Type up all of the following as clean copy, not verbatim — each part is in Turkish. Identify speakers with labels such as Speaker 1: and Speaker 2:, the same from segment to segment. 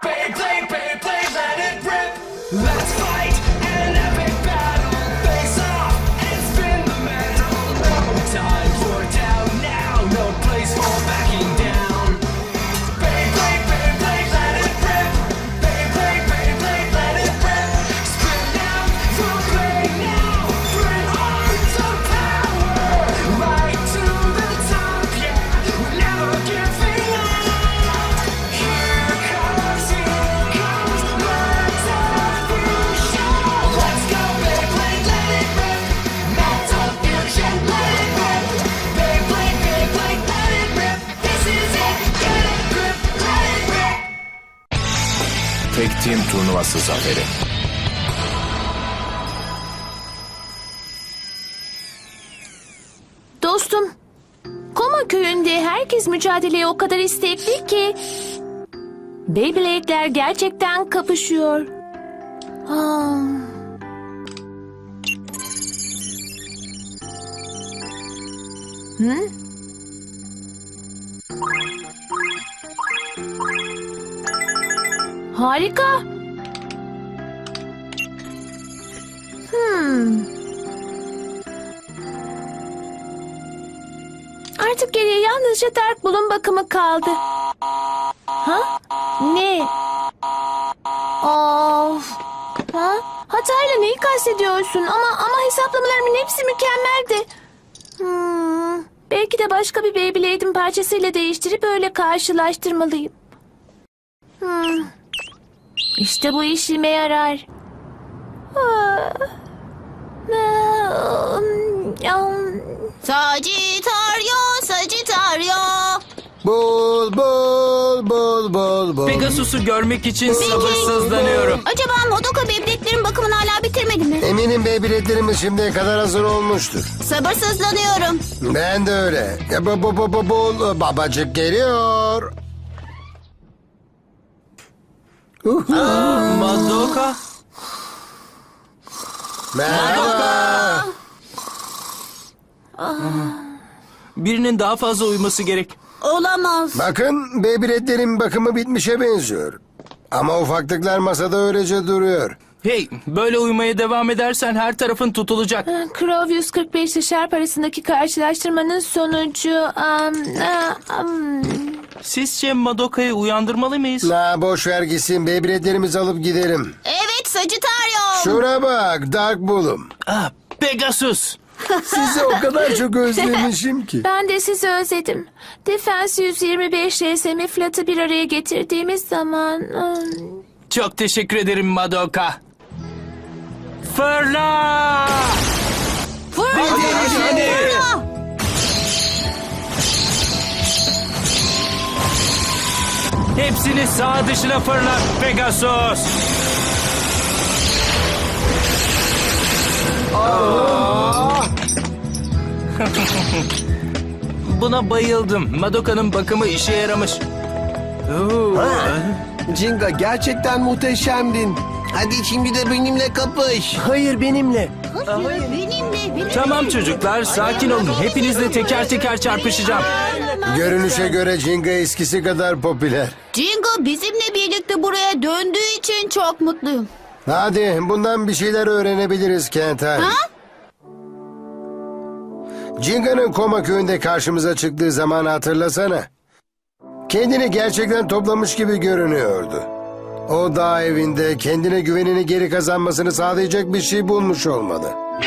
Speaker 1: Beyblade, Beyblade, let it rip. Let's fight an epic battle. Face off and spin the metal. No time for down now. No place for backing down. Beyblade, Beyblade, let it rip. Beyblade, Beyblade, let it rip. Spin out, full play now. Bring on some power. Right to the top, yeah. We're never giving up. Here comes Metal Fusion. Let's go, Beyblade, let it rip. Metal Fusion, let it rip. Beyblade, Beyblade, let it rip. This is it, get it, grip, let it rip.
Speaker 2: Tek Team turnuvası zaferi.
Speaker 3: Dostum, Koma köyünde herkes mücadeleye o kadar istekli ki... Beyblade'ler gerçekten kapışıyor. Ah. Hı? Harika. Artık geriye yalnızca Dark Bull'un bakımı kaldı. Ha? Ne? Of. Ha? Hatayla neyi kastediyorsun? Ama hesaplamalarımın hepsi mükemmeldi. Belki de başka bir Beyblade'in parçasıyla değiştirip öyle karşılaştırmalıyım. İşte bu işime yarar.
Speaker 4: Sagittario, Sagittario.
Speaker 5: Bul bul bul bul bul.
Speaker 6: Pegasus'u görmek için sabırsızlanıyorum.
Speaker 4: Acaba Madoka Beyblade'lerin bakımını hala bitirmedi mi?
Speaker 5: Eminim Beyblade'lerimiz şimdiye kadar hazır olmuştur.
Speaker 4: Sabırsızlanıyorum.
Speaker 5: Ben de öyle. Bul babacık geliyor.
Speaker 6: Madoka.
Speaker 5: Merhaba.
Speaker 6: Birinin daha fazla uyuması gerek.
Speaker 4: Olamaz.
Speaker 5: Bakın Beyblade'lerin bakımı bitmişe benziyor. Ama ufaklıklar masada öylece duruyor.
Speaker 6: Hey, böyle uyumaya devam edersen her tarafın tutulacak.
Speaker 3: Crow 145 ile Sharp arasındaki karşılaştırmanın sonucu...
Speaker 6: Sizce Madoka'yı uyandırmalı mıyız?
Speaker 5: Boş ver gitsin, Beyblade'lerimizi alıp gidelim.
Speaker 4: Evet Sagittario.
Speaker 5: Şuna bak Dark Bull'um.
Speaker 6: Pegasus.
Speaker 5: Sizi o kadar çok özlemişim ki.
Speaker 3: Ben de sizi özledim. Defense 125 RSM Flat'ı bir araya getirdiğimiz zaman...
Speaker 6: Çok teşekkür ederim Madoka. Fırla! Hadi. Hepsini sağ dışına fırlat Pegasus. Buna bayıldım. Madoka'nın bakımı işe yaramış.
Speaker 7: Jinga gerçekten muhteşemdin. Hadi şimdi de benimle kapış. Hayır benimle.
Speaker 4: Benimle.
Speaker 6: Tamam çocuklar, sakin olun. Hepinizle teker teker çarpışacağım.
Speaker 5: Görünüşe göre Jinga eskisi kadar popüler.
Speaker 4: Jingo bizimle birlikte buraya döndüğü için çok mutluyum.
Speaker 5: Hadi bundan bir şeyler öğrenebiliriz Kentai. Jinga'nın Koma köyünde karşımıza çıktığı zamanı hatırlasana. Kendini gerçekten toplamış gibi görünüyordu. O dağ evinde kendine güvenini geri kazanmasını sağlayacak bir şey bulmuş olmalı.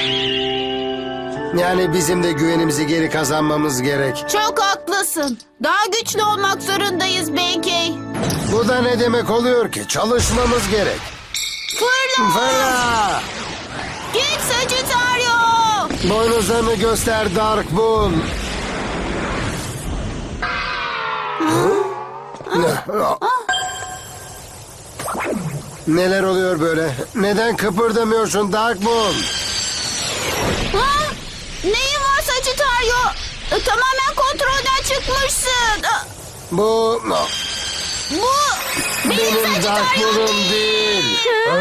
Speaker 5: Yani bizim de güvenimizi geri kazanmamız gerek.
Speaker 4: Çok haklısın. Daha güçlü olmak zorundayız Benkei.
Speaker 5: Bu da ne demek oluyor ki? Çalışmamız gerek.
Speaker 4: Fırla!
Speaker 5: Fırla!
Speaker 4: Git Sagittario!
Speaker 5: Boynuzlarını göster Dark Bull. Neler oluyor böyle? Neden kıpırdamıyorsun Dark Bull?
Speaker 4: Ha? Neyin var Sagittario? Tamamen kontrolden çıkmışsın.
Speaker 5: Bu
Speaker 4: Bu benim
Speaker 5: benim Dark
Speaker 4: Sagittario
Speaker 5: Bull'um değil.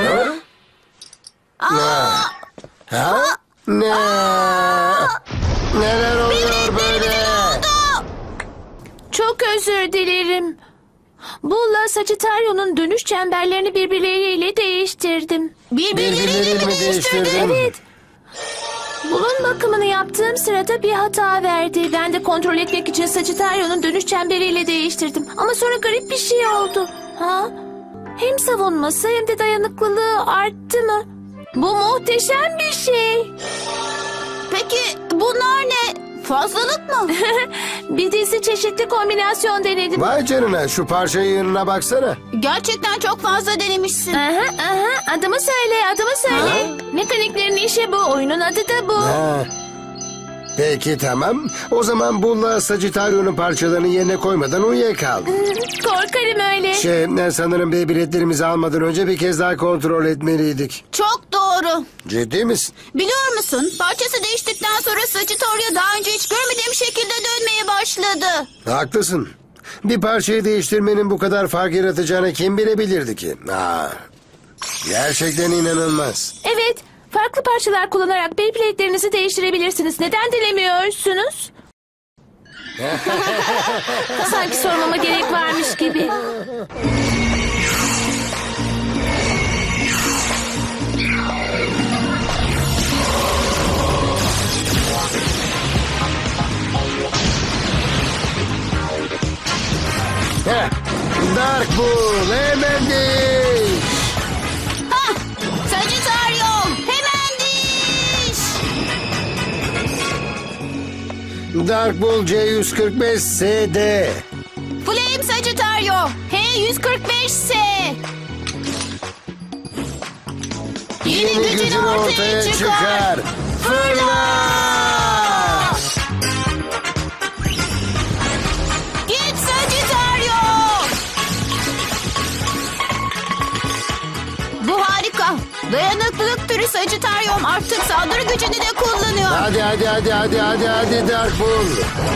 Speaker 5: Ha? Ne? Neler oluyor böyle?
Speaker 3: Çok özür dilerim. Bull'la Sagittario'nun dönüş çemberlerini birbirleriyle değiştirdim.
Speaker 5: Birbirlerini mi değiştirdin?
Speaker 3: Evet. Bull'un bakımını yaptığım sırada bir hata verdi. Ben de kontrol etmek için Sagittario'nun dönüş çemberiyle değiştirdim. Ama sonra garip bir şey oldu. Ha? Hem savunması hem de dayanıklılığı arttı mı? Bu muhteşem bir şey.
Speaker 4: Peki bunlar ne? Fazlalık mı?
Speaker 3: Bir dizi çeşitli kombinasyon denedim.
Speaker 5: Vay canına, şu parça yığınına baksana.
Speaker 4: Gerçekten çok fazla denemişsin.
Speaker 3: Aha, adımı söyle. Mekaniklerin işi bu, oyunun adı da bu.
Speaker 5: Ha. Peki tamam. O zaman Bull'la Sagittario'nun parçalarını yerine koymadan uyuyakal.
Speaker 3: Korkarım öyle.
Speaker 5: Sanırım biletlerimizi almadan önce bir kez daha kontrol etmeliydik.
Speaker 4: Çok doğru.
Speaker 5: Ciddi misin?
Speaker 4: Biliyor musun? Parçası değiştikten sonra Sagittario daha önce hiç görmediğim şekilde dönmeye başladı.
Speaker 5: Haklısın. Bir parçayı değiştirmenin bu kadar fark yaratacağını kim bilebilirdi ki? Gerçekten inanılmaz.
Speaker 3: Evet, farklı parçalar kullanarak Beyblade'lerinizi değiştirebilirsiniz. Neden dilemiyorsunuz? Sanki sormama gerek varmış gibi.
Speaker 5: Heh. Dark Bull, hemen değil.
Speaker 4: Ha! Sagittario! Hemen diş!
Speaker 5: Dark Bull C145SD.
Speaker 4: Flame Sagittario! H145S!
Speaker 5: Yeni gücün ortaya çıkar. Fırla!
Speaker 4: Git Sagittario! Bu harika. Dayanıklılık türü Sagittarium artık saldırı gücünü de kullanıyor.
Speaker 5: Hadi Dark Bull.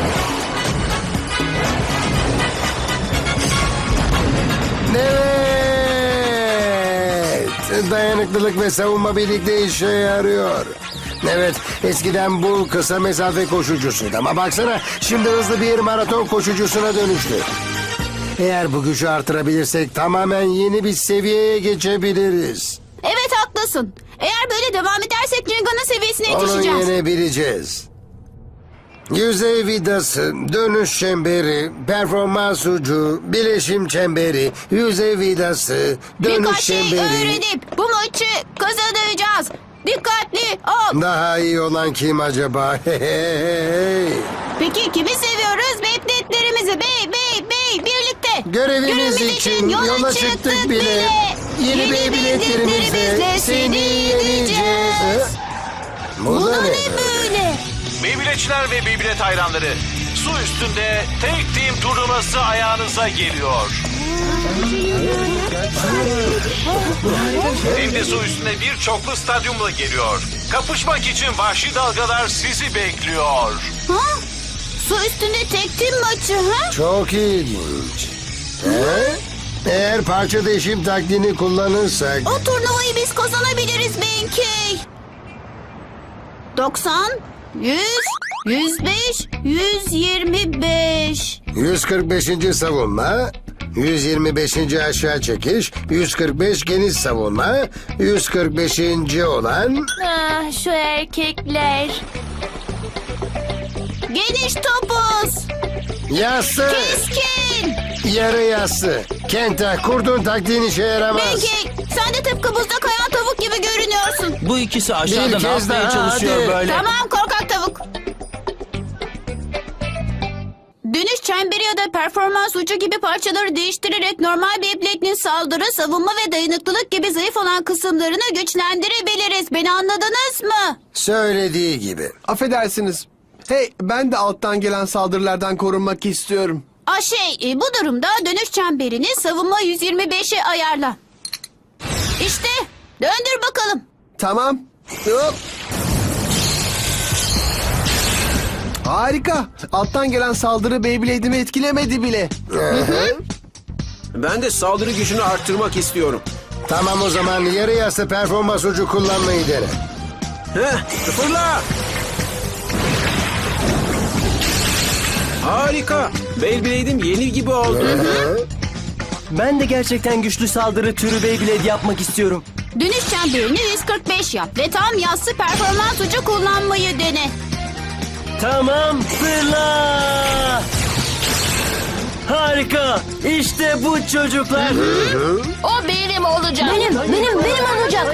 Speaker 5: Evet. Dayanıklılık ve savunma birlikte işe yarıyor. Evet, eskiden Bull kısa mesafe koşucusuydu ama baksana şimdi hızlı bir maraton koşucusuna dönüştü. Eğer bu gücü artırabilirsek tamamen yeni bir seviyeye geçebiliriz.
Speaker 4: Evet haklısın. Eğer böyle devam edersek Ringa'nın seviyesine
Speaker 5: Onu
Speaker 4: yetişeceğiz.
Speaker 5: yenebileceğiz. Yüzey vidası, dönüş çemberi, performans ucu, bileşim çemberi, yüzey vidası, dönüş
Speaker 4: Birkaç şey
Speaker 5: çemberi.
Speaker 4: öğrenip bu maçı kazanacağız. Dikkatli ol.
Speaker 5: Daha iyi olan kim acaba?
Speaker 4: Peki kimi seviyoruz? Beyblade'lerimizi birlikte.
Speaker 5: Görevimiz için yola çıktık bile. Yeni Beyblade'lerimizle seni yeneceğiz. Bu da ne
Speaker 4: Böyle.
Speaker 8: Beyblade'çiler ve Beyblade hayranları, su üstünde tek team turnuvası ayağınıza geliyor. Hem de su üstünde bir çoklu stadyumla geliyor. Kapışmak için vahşi dalgalar sizi bekliyor.
Speaker 4: Ha? Su üstünde tek tim maçı ha?
Speaker 5: Çok ilginç. Eğer parça değişim taktiğini kullanırsak...
Speaker 4: O turnuvayı biz kazanabiliriz Benkey. 90, 100, 105, 125.
Speaker 5: 145. savunma, 125. aşağı çekiş, 145 geniş savunma, 145. olan...
Speaker 3: Ah, şu erkekler.
Speaker 4: Geniş topuz.
Speaker 5: Yassı,
Speaker 4: Keskin.
Speaker 5: yarı yassı. Kenta, kurduğun taktiğin işe yaramaz.
Speaker 4: Benkey sen de tıpkı buzda kayan tavuk gibi görünüyorsun.
Speaker 6: Bu ikisi aşağıda
Speaker 5: Bir
Speaker 6: ne
Speaker 5: kez
Speaker 6: yapmaya
Speaker 5: daha,
Speaker 6: çalışıyor
Speaker 5: hadi.
Speaker 6: böyle?
Speaker 4: Tamam korkak tavuk. Dönüş çemberi ya da performans ucu gibi parçaları değiştirerek normal Beyblade'nin saldırı, savunma ve dayanıklılık gibi zayıf olan kısımlarını güçlendirebiliriz. Beni anladınız mı?
Speaker 5: Söylediği gibi.
Speaker 7: Affedersiniz. Hey, ben de alttan gelen saldırılardan korunmak istiyorum.
Speaker 4: Bu durumda dönüş çemberini savunma 125'e ayarla. İşte döndür bakalım.
Speaker 7: Tamam. Hop. Harika. Alttan gelen saldırı Beyblade'imi etkilemedi bile.
Speaker 9: Ben de saldırı gücünü arttırmak istiyorum.
Speaker 5: Tamam o zaman yarı yassı performans ucu kullanmayı dene.
Speaker 9: Fırla! Harika. Beyblade'im yeni gibi oldu.
Speaker 10: Ben de gerçekten güçlü saldırı türü Beyblade yapmak istiyorum.
Speaker 4: Dönüş çemberini 145 yap ve tam yassı performans ucu kullanmayı dene.
Speaker 10: Tamam, fırla! Harika! İşte bu çocuklar.
Speaker 3: O benim olacak. Benim olacak.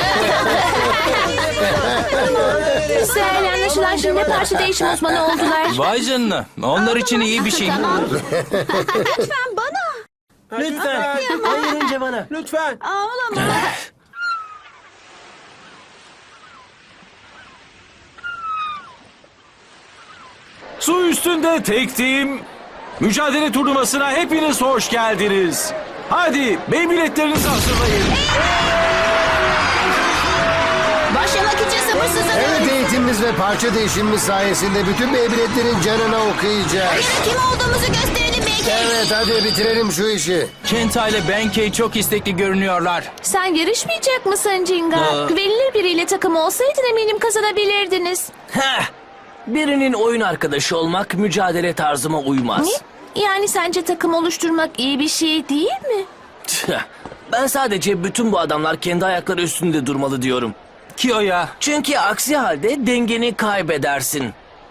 Speaker 3: Seher'le anlaşılan şimdi parça değişim uzmanı oldular.
Speaker 6: Vay canına. Onlar için iyi bir şey.
Speaker 4: Tamam. Lütfen bana.
Speaker 10: Lütfen, hayır önce bana.
Speaker 9: Lütfen.
Speaker 4: Ağlama.
Speaker 8: Su üstünde tek team mücadele turnuvasına hepiniz hoş geldiniz. Hadi Beyblade'lerinizi hazırlayın.
Speaker 4: Başlamak için sabırsızlanıyorum.
Speaker 5: Evet, eğitimimiz ve parça değişimimiz sayesinde bütün Beyblade'lerin canına okuyacağız.
Speaker 4: Kim olduğumuzu gösterelim belki.
Speaker 5: Evet, hadi bitirelim şu işi.
Speaker 6: Kenta ile Benkei çok istekli görünüyorlar.
Speaker 3: Sen yarışmayacak mısın Jinga? Güvenilir biriyle takım olsaydın eminim kazanabilirdiniz.
Speaker 10: Heh! Birinin oyun arkadaşı olmak mücadele tarzıma uymaz.
Speaker 3: Ne? Yani sence takım oluşturmak iyi bir şey değil mi?
Speaker 10: Tüh, ben sadece bütün bu adamlar kendi ayakları üstünde durmalı diyorum.
Speaker 6: Kiyo'ya.
Speaker 10: Çünkü aksi halde dengeni kaybedersin.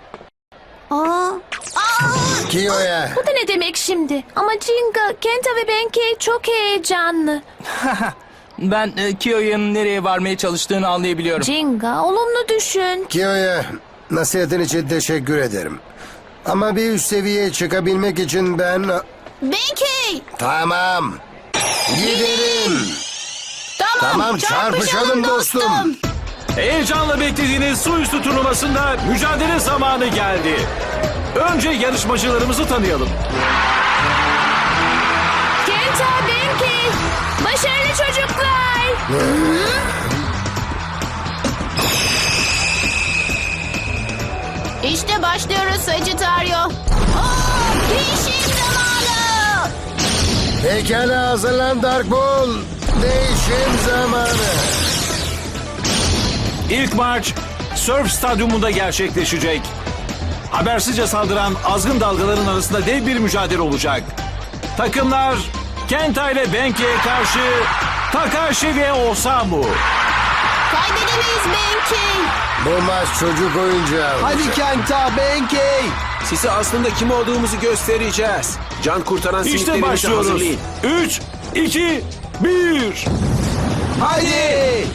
Speaker 5: Kiyo'ya.
Speaker 3: Bu da ne demek şimdi? Ama Jinga, Kenta ve Benkei çok heyecanlı.
Speaker 6: Ben Kiyo'nun nereye varmaya çalıştığını anlayabiliyorum.
Speaker 3: Jinga, olumlu düşün.
Speaker 5: Kiyo'ya nasihatin için teşekkür ederim. Ama bir üst seviyeye çıkabilmek için ben...
Speaker 4: Benkei.
Speaker 5: Tamam. Gidelim. Tamam, çarpışalım dostum.
Speaker 8: Heyecanla beklediğiniz su üstü turnuvasında mücadele zamanı geldi. Önce yarışmacılarımızı tanıyalım.
Speaker 3: Kenta, Benkei, başarılı çocuklar.
Speaker 4: İşte başlıyoruz Sagittario. Değişim zamanı.
Speaker 5: Pekala, hazırlan Dark Bull. Değişim zamanı.
Speaker 8: İlk maç Surf Stadyumunda gerçekleşecek. Habersizce saldıran azgın dalgaların arasında dev bir mücadele olacak. Takımlar Kenta ile Benkei'ye karşı Takashi ve Osamu.
Speaker 4: Kaybedemeyiz Benkei.
Speaker 5: Bu maç çocuk oyuncağı.
Speaker 7: Hadi Kenta, Benkei.
Speaker 9: Size aslında kim olduğumuzu göstereceğiz. Can kurtaran
Speaker 8: İşte
Speaker 9: simitlerinizi
Speaker 8: başlıyoruz.
Speaker 9: hazırlayın.
Speaker 8: 3, 2, 1.
Speaker 9: Haydi.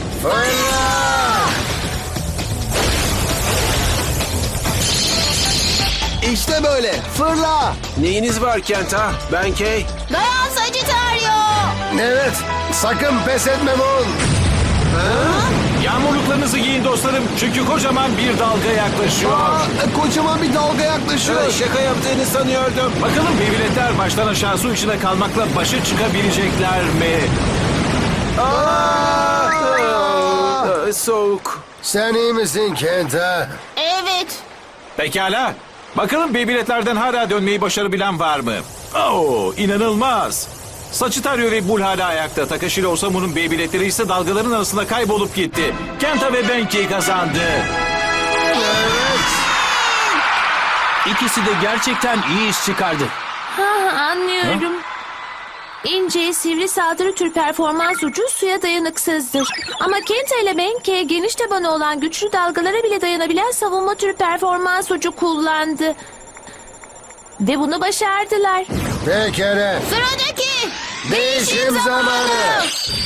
Speaker 7: İşte böyle. Fırla.
Speaker 9: Neyiniz var Kenta? Benkei?
Speaker 4: Dayan Sagittario.
Speaker 5: Evet, sakın pes etme Bull.
Speaker 8: Yağmurluklarınızı giyin dostlarım çünkü kocaman bir dalga yaklaşıyor.
Speaker 7: Kocaman bir dalga yaklaşıyor.
Speaker 9: Şaka yaptığını sanıyordum.
Speaker 8: Bakalım Beyblade'ler baştan aşağı su içinde kalmakla başa çıkabilecekler mi?
Speaker 9: Soğuk.
Speaker 5: Sen iyi misin Kenta?
Speaker 4: Evet.
Speaker 8: Pekala. Bakalım Beyblade'lerden hala dönmeyi başarabilen var mı? Oo, inanılmaz. Sagittario ve Bull hala ayakta. Takashi ile Osamu'nun Beyblade'leri ise dalgaların arasında kaybolup gitti. Kenta ve Benkei kazandı.
Speaker 6: İkisi de gerçekten iyi iş çıkardı.
Speaker 3: Anlıyorum. İnce, sivri saldırı tür performans ucu suya dayanıksızdır. Ama Kenta ile Benkei geniş tabanı olan güçlü dalgalara bile dayanabilen savunma tür performans ucu kullandı. Ve bunu başardılar.
Speaker 5: Pekala.
Speaker 4: Sıradaki.
Speaker 5: Değişim zamanı.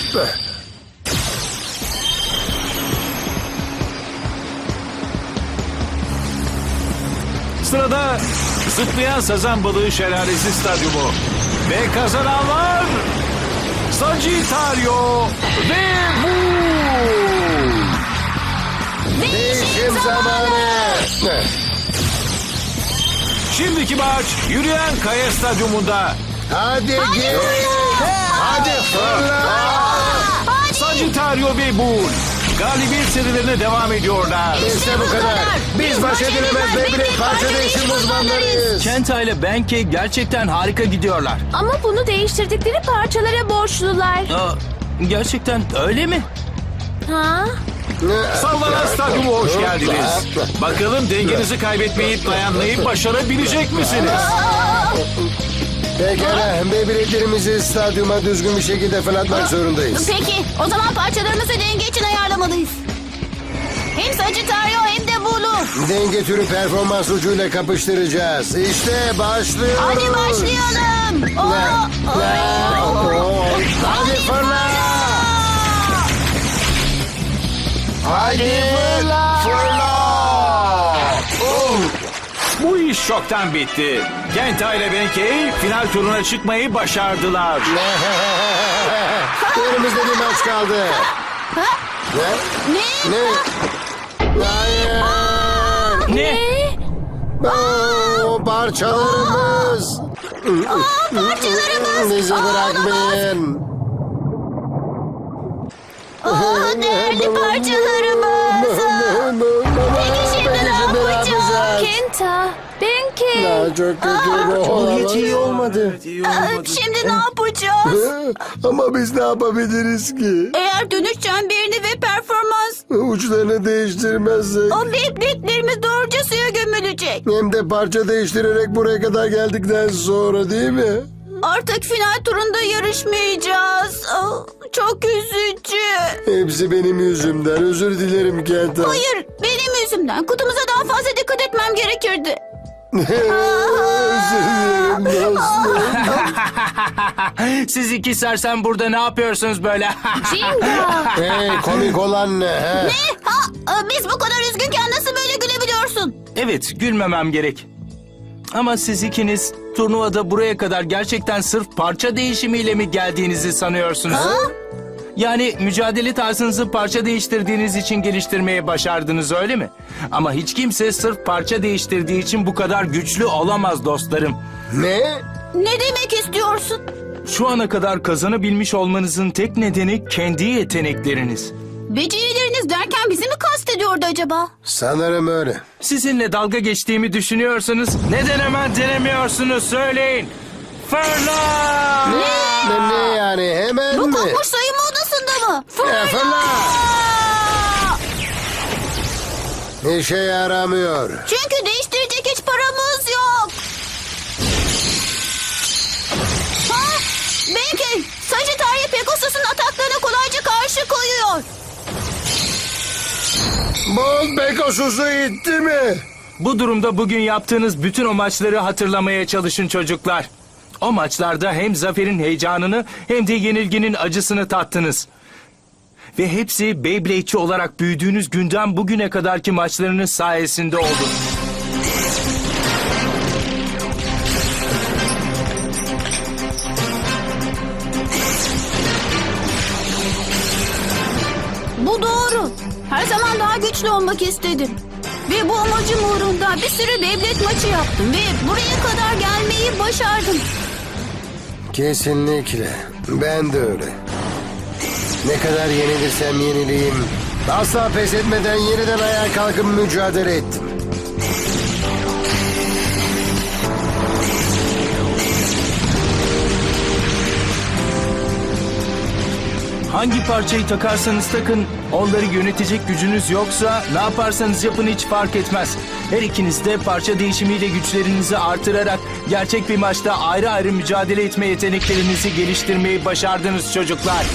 Speaker 8: Sırada zıplayan sazan balığı şelalesi stadyumu. Ve kazananlar Sagittario ve Bull.
Speaker 5: Değişim zamanı.
Speaker 8: Şimdiki maç yürüyen kaya stadyumunda.
Speaker 5: Hadi git. Hadi fırla.
Speaker 8: Sagittario ve Bull galibiyet serilerine devam ediyorlar.
Speaker 5: İşte bu kadar. Biz baş edilemez Beyblade parça değişim uzmanlarıyız.
Speaker 6: Kenta ile Benkei gerçekten harika gidiyorlar.
Speaker 3: Ama bunu değiştirdikleri parçalara borçlular.
Speaker 6: Gerçekten öyle mi?
Speaker 3: Ha?
Speaker 8: Sallanan stadyuma hoş geldiniz. Bakalım dengenizi kaybetmeyip dayanmayı başarabilecek misiniz?
Speaker 5: Pekala, Beyblade'lerimizi stadyuma düzgün bir şekilde fırlatmak zorundayız.
Speaker 4: Peki, o zaman parçalarımızı denge için ayarlamalıyız. Hem Sagittario hem de Bulu.
Speaker 5: Denge türü performans ucuyla kapıştıracağız. İşte başlıyoruz.
Speaker 4: Hadi başlayalım.
Speaker 5: Hadi fırla. Hadi fırla.
Speaker 8: Bu iş çoktan bitti. Kenta ile Benkei final turuna çıkmayı başardılar.
Speaker 5: Elimizde bir maç kaldı.
Speaker 4: Ne?
Speaker 5: Ne? Hayır.
Speaker 6: Ne?
Speaker 5: Oo, parçalarımız.
Speaker 4: Parçalarımız.
Speaker 5: Bizi bırakmayın.
Speaker 4: Değerli parçalarımız. Peki şimdi ne yapacağız?
Speaker 3: Kenta, Benkei.
Speaker 5: Ya, çok kötü bu olamaz.
Speaker 7: Hiç iyi olmadı.
Speaker 4: Şimdi ne yapacağız?
Speaker 5: Ama biz ne yapabiliriz ki?
Speaker 4: Eğer dönüş çemberini ve performans
Speaker 5: Uçlarını değiştirmezsek.
Speaker 4: o bebeklerimiz doğruca suya gömülecek.
Speaker 5: Hem de parça değiştirerek buraya kadar geldikten sonra değil mi?
Speaker 4: Artık final turunda yarışmayacağız. Çok üzücü.
Speaker 5: Hepsi benim yüzümden. Özür dilerim Kenta.
Speaker 4: Hayır, benim yüzümden. Kutumuza daha fazla dikkat etmem gerekirdi.
Speaker 5: Özür dilerim dostum.
Speaker 6: Siz iki sersem burada ne yapıyorsunuz böyle?
Speaker 3: Jinga.
Speaker 5: Hey, komik olan ne? He?
Speaker 4: Biz bu kadar üzgünken nasıl böyle gülebiliyorsun?
Speaker 6: Evet, gülmemem gerek. Ama siz ikiniz turnuvada buraya kadar gerçekten sırf parça değişimiyle mi geldiğinizi sanıyorsunuz? Yani mücadele tarzınızı parça değiştirdiğiniz için geliştirmeye başardınız öyle mi? Ama hiç kimse sırf parça değiştirdiği için bu kadar güçlü olamaz dostlarım.
Speaker 5: Ne?
Speaker 4: Ne demek istiyorsun?
Speaker 6: Şu ana kadar kazanabilmiş olmanızın tek nedeni kendi yetenekleriniz.
Speaker 4: Becerileriniz derken bizi mi kastediyordu acaba?
Speaker 5: Sanırım öyle.
Speaker 6: Sizinle dalga geçtiğimi düşünüyorsunuz. Neden hemen denemiyorsunuz söyleyin. Fırla!
Speaker 5: Ne yani hemen
Speaker 4: Bu
Speaker 5: mi?
Speaker 4: kopmuş sayımı odasında mı?
Speaker 5: Fırla! İşe yaramıyor.
Speaker 4: Çünkü değiştirecek hiç paramız yok. Belki Sagittario Pegasus'un ataklarına kolayca karşı koyuyor.
Speaker 5: Bolt Pegasus'u itti mi?
Speaker 6: Bu durumda bugün yaptığınız bütün o maçları hatırlamaya çalışın çocuklar. O maçlarda hem zaferin heyecanını hem de yenilginin acısını tattınız. Ve hepsi Beyblade'çi olarak büyüdüğünüz günden bugüne kadarki maçlarınız sayesinde oldu.
Speaker 4: Bu doğru. Her zaman daha güçlü olmak istedim. Ve bu amacım uğrunda bir sürü Beyblade maçı yaptım. Ve buraya kadar gelmeyi başardım.
Speaker 5: Kesinlikle. Ben de öyle. Ne kadar yenilirsem yenileyim. Asla pes etmeden yeniden ayağa kalkıp mücadele ettim.
Speaker 6: Hangi parçayı takarsanız takın, onları yönetecek gücünüz yoksa ne yaparsanız yapın hiç fark etmez. Her ikiniz de parça değişimiyle güçlerinizi artırarak gerçek bir maçta ayrı ayrı mücadele etme yeteneklerinizi geliştirmeyi başardınız çocuklar.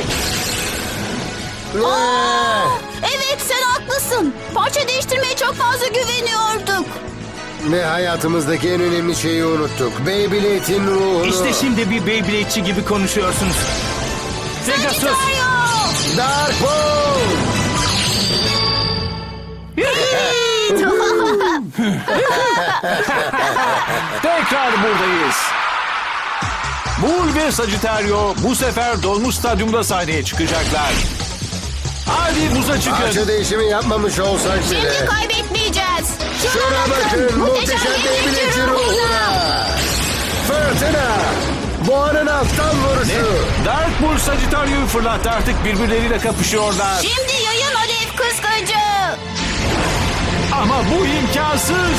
Speaker 4: Evet sen haklısın. Parça değiştirmeye çok fazla güveniyorduk.
Speaker 5: Ve hayatımızdaki en önemli şeyi unuttuk. Beyblade'in ruhunu.
Speaker 6: İşte şimdi bir Beyblade'çi gibi konuşuyorsunuz. Pegasus!
Speaker 4: Sagittario!
Speaker 5: Dark Ball!
Speaker 8: Tekrar buradayız. Bull ve Sagittario bu sefer dolmuş stadyumda sahneye çıkacaklar. Hadi buza çıkın.
Speaker 5: Parça değişimi yapmamış olsak bile.
Speaker 4: Şimdi kaybetmeyeceğiz.
Speaker 5: Şuna bakın muhteşem Beyblade'in ruhuna. Fırtına. Boğanın alttan vuruşu.
Speaker 8: Dark Bull Sagittario'yu fırlattı, artık birbirleriyle kapışıyorlar.
Speaker 4: Şimdi yayın alev kıskacı.
Speaker 8: Ama bu imkansız.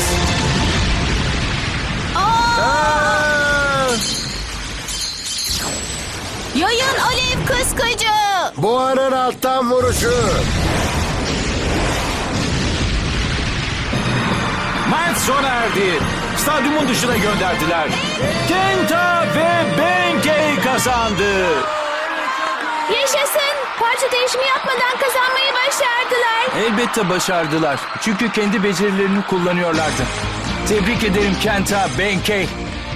Speaker 4: Yayın alev kıskacı.
Speaker 5: Boğanın alttan vuruşu.
Speaker 8: Maç sona erdi. stadyumun dışına gönderdiler. Kenta ve Benkei kazandı.
Speaker 3: Yaşasın! Parça değişimi yapmadan kazanmayı başardılar.
Speaker 6: Elbette başardılar. Çünkü kendi becerilerini kullanıyorlardı. Tebrik ederim Kenta, Benkei.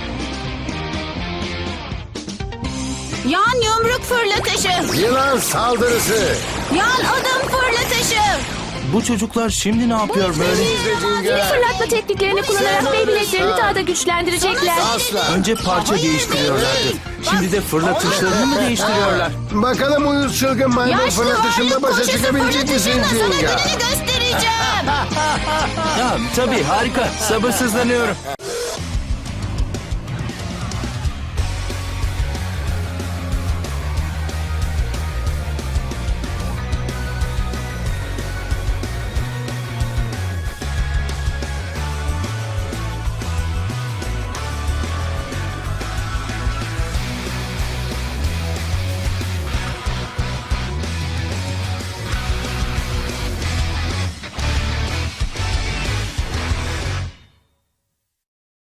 Speaker 4: Yan yumruk fırlatışı.
Speaker 5: Yılan saldırısı.
Speaker 4: Yan adım fırlatışı.
Speaker 6: Bu çocuklar şimdi ne yapıyor böyle?
Speaker 3: Yeni fırlatma tekniklerini kullanarak Beyblade'lerini daha da güçlendirecekler.
Speaker 5: Asla.
Speaker 6: Önce parça değiştiriyorlardı. Şimdi de fırlatışlarını mı değiştiriyorlar?
Speaker 5: Bakalım uyuz çılgın maymun
Speaker 4: Yaşlı
Speaker 5: fırlatışında
Speaker 4: varlık
Speaker 5: başa
Speaker 4: koşusu
Speaker 5: çıkabilecek misin
Speaker 4: fırlatışında sana
Speaker 5: Jinga?
Speaker 4: gününü göstereceğim.
Speaker 6: Ya, tabii harika. Sabırsızlanıyorum.